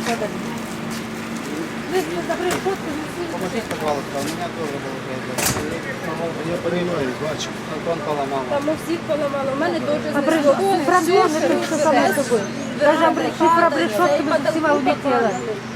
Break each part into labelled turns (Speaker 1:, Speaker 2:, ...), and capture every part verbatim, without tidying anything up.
Speaker 1: Поможите, пожалуйста, у меня тоже был грейдер. Я понимаю, бачу. Антон поломал.
Speaker 2: Там у всіх поламало, у мене теж
Speaker 3: Проблемы, что само собой. Даже шифра обрешетки бы всего улетела.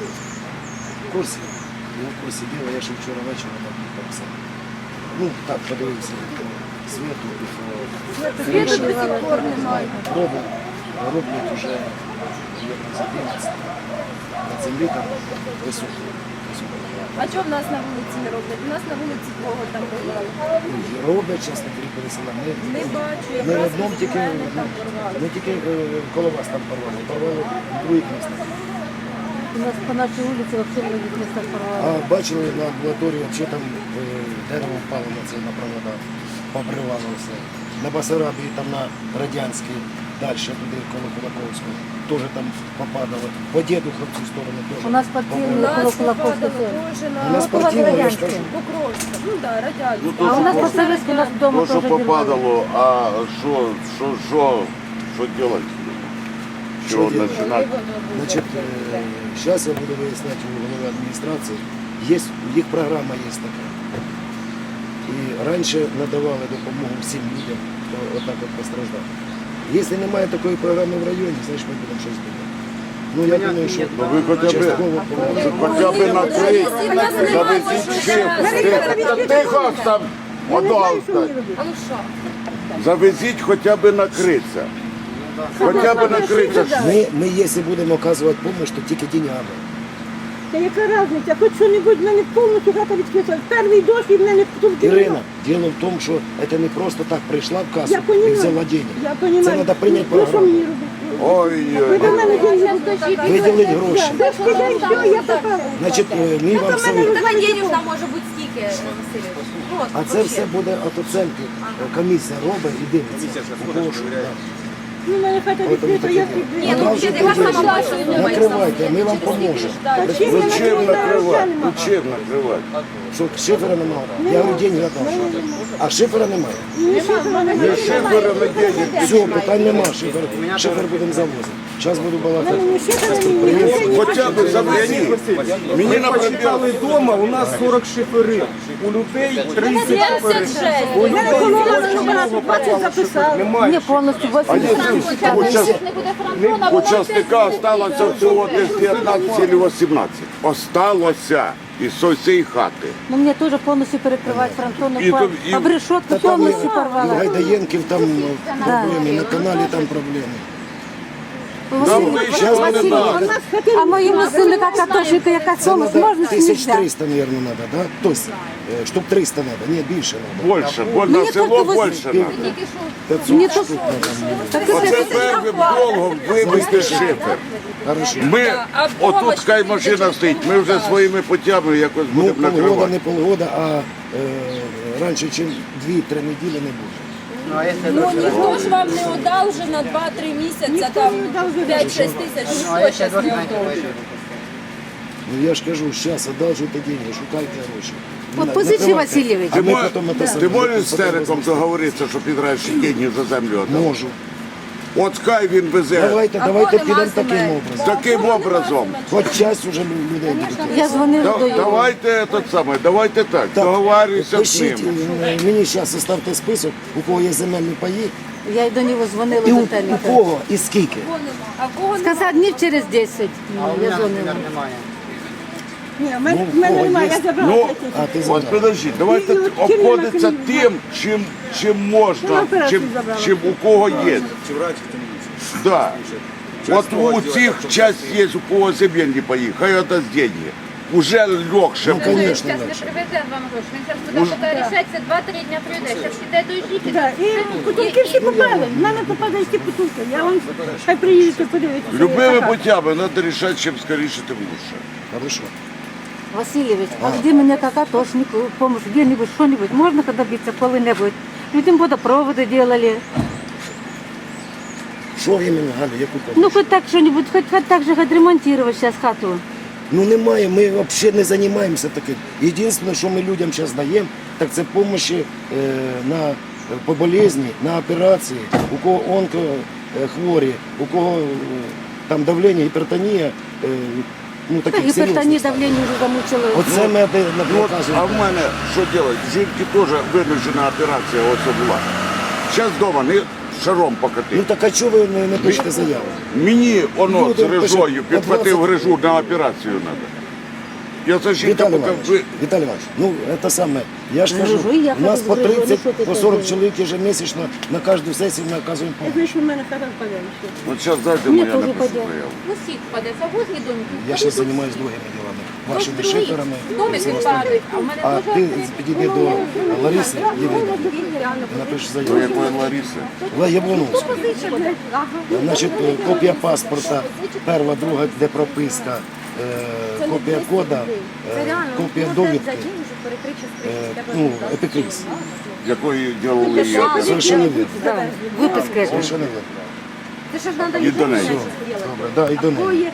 Speaker 4: В курсі? Я в курсі діла, я ще вчора вечором написав. Ну, так, подивився світу і
Speaker 2: Світу до сих пор немає.
Speaker 4: роблять, роблять уже за одинадцять. На землі там високо.
Speaker 2: А чого в нас на вулиці не роблять? У нас на вулиці кого там порвали?
Speaker 4: Роблять, чесно, території села. Не,
Speaker 2: Не бачу,
Speaker 4: не в
Speaker 2: якраз
Speaker 4: одному тільки,
Speaker 2: мене там порвали.
Speaker 4: не тільки е, коло вас там порвали, порвали в других містах.
Speaker 3: У нас по нашей улице вообще в многих местах
Speaker 4: А
Speaker 3: порвало.
Speaker 4: бачили на амбулаторії, взагалі там е, дерево впало на це на провода, побривало все. На Басарабії, там на Радянській, далі туди коло Кулаковського, теж там попадало. По Дєдуху в цю сторону теж.
Speaker 3: У нас под
Speaker 2: У
Speaker 3: Киевом
Speaker 2: нас
Speaker 3: около
Speaker 2: попадало
Speaker 3: Кулаковской.
Speaker 2: теж
Speaker 4: У
Speaker 2: на
Speaker 4: нас
Speaker 3: Ну,
Speaker 4: спортивно, я ж
Speaker 3: Радянське.
Speaker 4: кажу.
Speaker 2: Покровська. Ну так, радянська.
Speaker 3: А у нас по советски у нас дома
Speaker 5: То, що
Speaker 3: тоже держали.
Speaker 5: попадало, а що, що, що, що делать? Що
Speaker 4: Що делать?
Speaker 5: починати?
Speaker 4: Значить, зараз я буду виясняти у голови адміністрації. Є, їх програма є така. І раніше надавали допомогу всім людям, хто отак от постраждав. Якщо немає такої програми в районі, значить ми будемо щось робити. Ну я думаю, що
Speaker 5: Ну ви хоча б,
Speaker 4: частково помогли.
Speaker 5: хоча б накрити, завезіть шифр. Тихо там, одалка. Завезіть хоча б накритися. Хоча б накритися.
Speaker 4: Ми, ми, якщо будемо оказувати допомогу, то тільки деньгами.
Speaker 6: Та яка різниця? Хоч що-небудь в мене повністю хата відкрита. Перший дощ і в мене тут
Speaker 4: Ірина, діло в тому, що це не просто так прийшла в касу
Speaker 6: Я
Speaker 4: і
Speaker 6: понімаю.
Speaker 4: взяла деньги.
Speaker 6: Я розумію.
Speaker 4: Це треба прийняти
Speaker 6: Ну що мені
Speaker 4: програму.
Speaker 6: робити? Ви до
Speaker 5: Ой-ой.
Speaker 6: мене деньги
Speaker 4: Виділити гроші.
Speaker 6: Та ж я все, я попала.
Speaker 4: Значить, е, мій вам совет.
Speaker 7: Така денежна може бути скільки, Васильович?
Speaker 4: А це все буде от оценки. Е, Комісія робить і дивиться. У кого що, да.
Speaker 6: Ну, в мене хата відкрита, я
Speaker 7: Ні, ну
Speaker 4: Одразу
Speaker 7: ти вас сама бачиш,
Speaker 4: накривайте, ми вам поможемо.
Speaker 6: чим я
Speaker 5: Ну чим
Speaker 6: накриваю,
Speaker 5: накривати?
Speaker 6: нема.
Speaker 5: Ну чим накривати?
Speaker 4: Що шифера немає? Я говорю, деньги дам. А шифера немає?
Speaker 6: Ні, що в мене
Speaker 5: Не шифера на денег.
Speaker 4: Все, питань нема. Шифер, шифер будемо завозити. Зараз буду балакати.
Speaker 6: Ні, ще
Speaker 4: з
Speaker 6: там
Speaker 4: підприємцем.
Speaker 5: Хоча б завезіть. Мені, наприклад,
Speaker 1: Почитали вдома, у нас сорок шиферів. У людей тридцять шиферів. У людей
Speaker 6: двадцять записали.
Speaker 1: немає.
Speaker 3: Мне полностью
Speaker 5: а
Speaker 3: восемьдесят.
Speaker 5: якщо учас- учасника осталося всього десь дев'ятнадцять чи вісімнадцять. Осталося із цієї хати.
Speaker 3: Но мне тоже полностью перекрывать фронтону.
Speaker 5: И то- и-
Speaker 3: Об решетку
Speaker 4: Та там і
Speaker 3: полностью
Speaker 4: у
Speaker 3: порвала.
Speaker 4: Гайдаєнків там ну, проблеми, на каналі там проблеми.
Speaker 5: Да ви ще не дали.
Speaker 3: А моему сыну как атошника, яка
Speaker 4: Це
Speaker 3: сомас,
Speaker 4: треба
Speaker 3: можно с
Speaker 4: тисяч
Speaker 3: нельзя.
Speaker 4: триста, мабуть, треба, да? Тобто, е, штук триста треба, ні, більше треба.
Speaker 5: Більше, бо на
Speaker 3: Мені
Speaker 5: село
Speaker 3: тільки
Speaker 5: більше
Speaker 3: ось-
Speaker 5: треба.
Speaker 3: Мне
Speaker 4: п'ятсот
Speaker 3: то,
Speaker 4: штук треба.
Speaker 3: так
Speaker 5: Оце
Speaker 3: это
Speaker 5: первим долгом вивезти шифер.
Speaker 4: Хорошо.
Speaker 5: Ми, отут хай машина стоїть, ми вже своїми путями якось
Speaker 4: Ну,
Speaker 5: будемо
Speaker 4: полгода,
Speaker 5: накривати.
Speaker 4: не полгода, а е, раніше, ніж дві-три неділі не буде.
Speaker 1: Ну, а если
Speaker 2: Ну
Speaker 1: дождь
Speaker 2: ніхто ж вам не отдав вже на два-три місяці, там п'ять-шість тисяч,
Speaker 1: Ну, а
Speaker 2: ніхто
Speaker 1: если
Speaker 2: зараз
Speaker 1: дождь
Speaker 2: не
Speaker 1: на
Speaker 2: отдав.
Speaker 4: Ну я ж кажу, зараз одалжуйте деньги, шукайте гроші.
Speaker 3: Вот
Speaker 4: На-
Speaker 3: позычи,
Speaker 4: накривайте.
Speaker 3: Васильевич.
Speaker 4: А
Speaker 5: Ти,
Speaker 4: ми
Speaker 5: мо-
Speaker 4: потім це
Speaker 5: ти
Speaker 4: саме
Speaker 5: можеш з
Speaker 4: потім
Speaker 5: Териком договоритися, що підраєш деньги за землю віддав?
Speaker 4: Можу.
Speaker 5: От хай він везе.
Speaker 4: Давайте,
Speaker 2: А
Speaker 4: давайте
Speaker 2: кого
Speaker 4: підемо
Speaker 2: нема
Speaker 4: таким
Speaker 2: земель?
Speaker 4: образом.
Speaker 5: Таким образом.
Speaker 4: Хоч час уже лю- людей буде.
Speaker 3: Я звонила
Speaker 5: Да-
Speaker 3: до его.
Speaker 5: давайте этот самый, давайте так,
Speaker 4: Так,
Speaker 5: договарюйся з
Speaker 4: пишіть,
Speaker 5: ним.
Speaker 4: е, мені зараз составте список, у кого є земельні паї,
Speaker 3: Я й до него звонила
Speaker 4: і
Speaker 3: до
Speaker 4: у, у
Speaker 3: Теліка.
Speaker 4: кого, і скільки.
Speaker 2: А в кого
Speaker 3: Сказав днів через десять.
Speaker 1: А у
Speaker 3: Я
Speaker 1: меня,
Speaker 3: звонила.
Speaker 1: например, немає.
Speaker 6: Ні, в мене,
Speaker 4: Ну,
Speaker 6: в мене
Speaker 4: о,
Speaker 6: немає,
Speaker 4: є.
Speaker 6: я забрала
Speaker 5: Ну,
Speaker 6: п'ять тисяч.
Speaker 4: А ти
Speaker 5: От
Speaker 4: забрав.
Speaker 5: подожди, давайте
Speaker 6: І- і от чим я
Speaker 5: обходиться
Speaker 6: накрию?
Speaker 5: тим, чим, чим можна,
Speaker 6: Ну, операцію
Speaker 5: чим,
Speaker 6: забрала.
Speaker 5: чим у кого є. Да. От у цих часть є, у кого земельні паї, хай отдасть деньги. Уже легше
Speaker 4: Ну,
Speaker 5: буде.
Speaker 4: конечно,
Speaker 7: Зараз не
Speaker 4: легше.
Speaker 7: привезе вам гроші. Він зараз буде поки рішається, два-три дня прийде. Зараз піде до жінки.
Speaker 6: Да, і потулки всі попали. В мене попадають ті потулки. Я вам хай приїдете, подивитися.
Speaker 5: Любими
Speaker 6: яка хата.
Speaker 5: путями треба рішати, чим скоріше, тим лучше.
Speaker 4: Хорошо.
Speaker 3: Васильевич, а где мне как атошнику помощь, где-нибудь, что-нибудь можно добиться коли-небудь? Людям водопроводы делали.
Speaker 4: Що іменно, Галя, яку помощь?
Speaker 3: Ну, хоть так что-нибудь, хоть, хоть так же хоть ремонтировать сейчас хату.
Speaker 4: Ну немає, ми взагалі не займаємося таким. Єдине, що ми людям зараз даємо, так це допомоги е, на по болезні, на операції, у кого онкохворі, у кого е, там давлення, гіпертонія, е, ну
Speaker 3: Та
Speaker 4: таких
Speaker 3: гіпертонія,
Speaker 4: серйозних.
Speaker 3: давлення вже замучили.
Speaker 4: Оце ми де-
Speaker 5: Ну,
Speaker 4: на
Speaker 5: от, а в мене що робити? Жінки теж винуждена операція оце була. Зараз вдома не шаром
Speaker 4: Ну
Speaker 5: покати.
Speaker 4: так а чого ви не, не пишете заяву?
Speaker 5: Мені воно
Speaker 4: Люди
Speaker 5: з грижою
Speaker 4: пишуть,
Speaker 5: підхватив
Speaker 4: на двадцять
Speaker 5: грижу на операцію треба. Я це жінка
Speaker 4: Віталій
Speaker 5: поки
Speaker 4: Іванович,
Speaker 5: ви...
Speaker 4: Віталій Іванович, ну це саме, я ж кажу,
Speaker 3: Грижу, я
Speaker 4: у нас
Speaker 3: хочу
Speaker 4: по
Speaker 3: з грижою, ну,
Speaker 4: тридцять,
Speaker 3: що ти
Speaker 4: по
Speaker 3: це
Speaker 4: сорок
Speaker 3: робиш?
Speaker 4: чоловік ежемісячно на кожну сесію ми оказуємо
Speaker 6: Я
Speaker 4: допомогу.
Speaker 6: знаю, що в мене зараз боляче.
Speaker 5: От зараз зайдемо,
Speaker 3: Мені
Speaker 5: я
Speaker 3: теж
Speaker 5: напишу
Speaker 3: пойде.
Speaker 5: заяву.
Speaker 7: Ну, сік паде, завозні домики.
Speaker 4: Я зараз займаюся другими ділами, вашими шиферами.
Speaker 7: Домики падають, а в мене
Speaker 4: А
Speaker 7: дуже
Speaker 4: ти
Speaker 7: відкриті.
Speaker 4: підійди до Лариси Євгенівни, напишеш
Speaker 5: До
Speaker 4: заяву.
Speaker 5: якої Лариси?
Speaker 4: Ла Яблоновська. Значить, е, копія паспорта, перша, друга, де прописка, е, копія кода, е, копія довідки, е, ну, епікрис.
Speaker 5: Якої ділили її операцію.
Speaker 4: Совершенно вірно.
Speaker 3: Да, виписка.
Speaker 4: Совершенно вірно.
Speaker 5: І до неї.
Speaker 4: Добре, да, і до неї.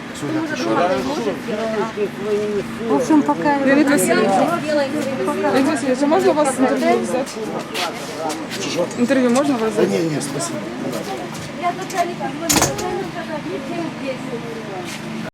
Speaker 3: В общем, пока...
Speaker 8: Леонид Васильевич, Леонид Васильевич, а можно у вас интервью взять? Интервью можно у вас
Speaker 4: Та
Speaker 8: взять?
Speaker 4: ні, ні, спасибо.
Speaker 2: Я до Талика звоню, Таня сказала, «Где здесь?»